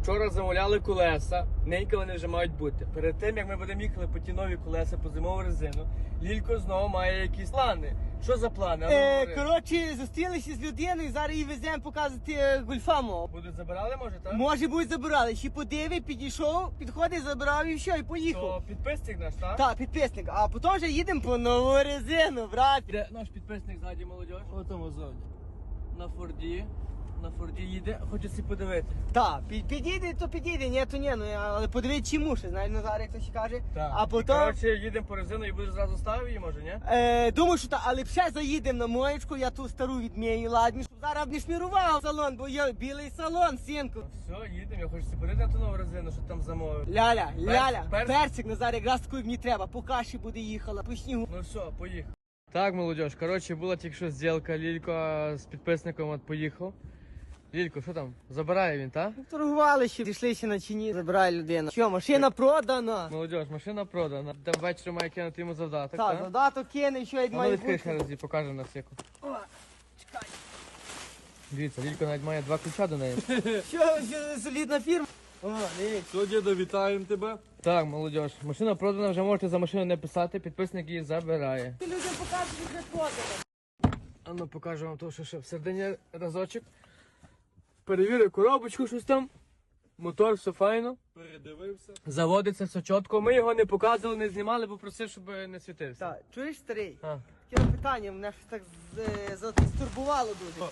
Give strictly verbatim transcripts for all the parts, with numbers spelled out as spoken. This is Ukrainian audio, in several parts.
Вчора замовляли колеса, ненька вони вже мають бути. Перед тим, як ми будемо їхали по ті нові колеса, по зимову резину, Лілько знову має якісь плани. Що за плани? А ну, Е, говори. коротше, зустрілися з людиною, зараз її веземо показувати е, гольфа мого. Будуть забирали, може, так? Може будуть забирали, ще подиви, підійшов, підходить, забрав і все, і поїхав. То підписник наш, так? Так, підписник, а потім вже їдемо по нову резину, брат. Де наш підписник ззаді, молодь? О тому ззаді. На Форді. На Форді їде, хоче всі подивити. Так, під, підійде, то підійде, ні, то ні, ну але подивись чому ще, знаєш, Назар, як хтось каже. Так. А І, потім, коротше, їдемо по резину і будеш зразу ставити її, може, ні? е, думаю, що так, але ще заїдемо на моєчку, я ту стару відмію, ладні, щоб зараз б не шмірував салон, бо є білий салон, синку. Все, їдемо, я хочу всі подивити на ту нову резину, що там замовив. Ляля, ляля, персик. персик, Назар, якраз такий мені треба, по каші буде їхала, по снігу. Ну все, поїхав. Так, молодь, коротше, була тільки що зділка, Лілько з підписником от поїхав. Лілько, що там? Забирає він, так? Торгували ще, дійшли ще на чині, забирає людина. Що, машина продана? Молодь, машина продана. Там ввечері має кинути йому завдаток, Так, так? задаток кине, що як А ну має відкрий ще бути. раз і покаже на всяку. О, чекай. Дивіться, Лілько навіть має два ключа до неї. Що, що солідна фірма? О, дивіться. Що, діда, вітаємо тебе. Так, молодь, машина продана, вже можете за машину не писати, підписник її забирає. Ти людям покажеш, що вже продано. А ну покажу вам то, що ще всередині разочок. Перевірю коробочку, щось там. Мотор, все файно. Передивився. Заводиться все чітко. Ми його не показували, не знімали, бо просив, щоб не світився. Так, чуєш, старий? А. Таке питання, мене щось так з- застурбувало дуже.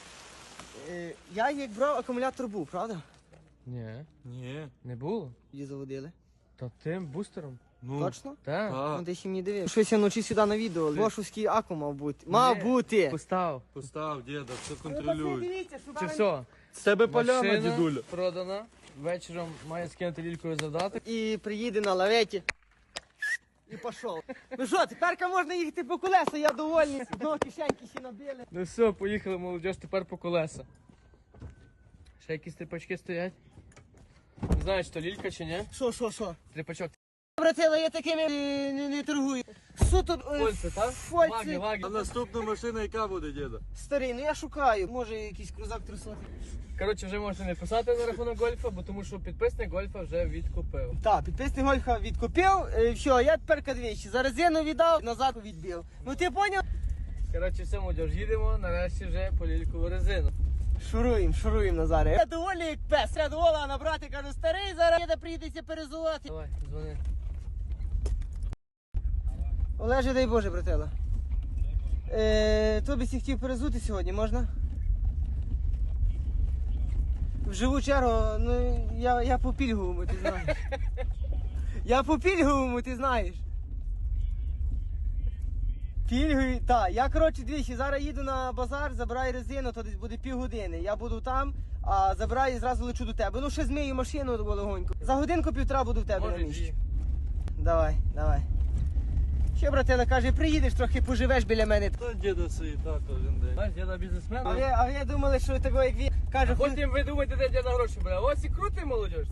Е, Я як брав, акумулятор був, правда? Ні, Ні. не було. Її заводили. Та тим бустером. Ну, Точно? Так. Так. Ну ти ще мені дивив. Щось я вночі сюди на відео. Бошовський аку мав бути. Мав Ні. бути. Постав. Постав, діда, все Ну, контролюй. дивіться, що Чи зараз- все? З тебе поляна, Машина дідуля. продана. Вечором має скинути Лількою завдаток. І приїде на лаветі. І пішов. Ну що, тепер можна їхати по колеса, я довольний. Знову кишеньки ще набили. Ну все, поїхали, молодь, тепер по колеса. Ще якісь тріпачки стоять. Не знаю, чи то Лілька чи ні. Що, що, що? Тріпачок. Братела, я такими не, не, не торгую. Суто е, Фольце, так? фольці. Ваги, ваги. А наступна машина яка буде, діда? Старий, ну я шукаю. Може якийсь крузак трусоти. Коротше, вже можете не писати на рахунок гольфа, бо тому що підписник гольфа вже відкупив. Так, підписник Гольфа відкупив. Е, все, я тепер кадвічі. Зараз зіну віддав, назад відбив. Ну ти поняв? Коротше, все, молодь, їдемо, нарешті вже по лількову резину. Шуруємо, шуруємо, Назаре. Я доволі як пес. Я довола набрати, кажу, старий, зараз їде прийдеться перезувати. Давай, дзвони. Олеже, дай Боже, братела. Е, тобі сі хотів перезути сьогодні, можна? В живу чергу, ну я, я по пільговому, ти знаєш. Я по пільговому, ти знаєш. Пільгові, так. Я, коротше, двічі, зараз їду на базар, забираю резину, то десь буде півгодини. Я буду там, а забираю і зразу лечу до тебе. Ну, ще змию машину легонько. За годинку-півтора буду в тебе на Може, місці. дві. Давай, давай. Ще, братела, каже, приїдеш, трохи поживеш біля мене. Та діда свій так кожен день. Знаєш, діда бізнесмен. А ви, а ви думали, що такого, як він каже, Потім ви думаєте, де діда гроші бере. Ось і крутий, молодь.